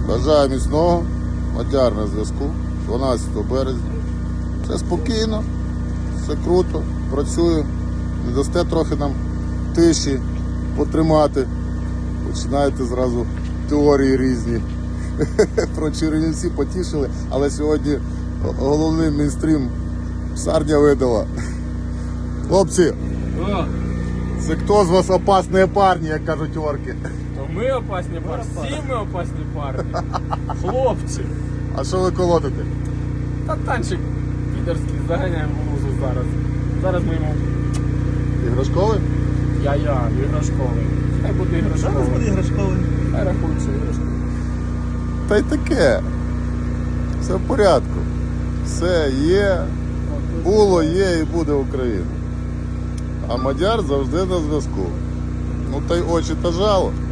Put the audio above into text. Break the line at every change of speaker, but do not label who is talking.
Бажаю міцного. Мадяр на зв'язку. 12 березня. Все спокійно, все круто, працюю. Не дасте трохи нам тиші потримати. Починаєте зразу теорії різні. Про Чернівці потішили, але сьогодні головний мейнстрім псарня видала. Хлопці, це хто з вас опасні парні, як кажуть орки?
То ми опасні парні, всі ми опасні парні. Хлопці.
А що ви колотите?
Та танчик підерський, заганяємо в лузу зараз. Зараз ми йому
Іграшковий?
іграшковий. Хай буде іграшковий.
Зараз буде іграшковий.
Хай рахується іграшковий.
Та й таке. Все в порядку. Все є, було, є і буде Україна. А Мадяр завжди на зв'язку. Ну та й очі та жало.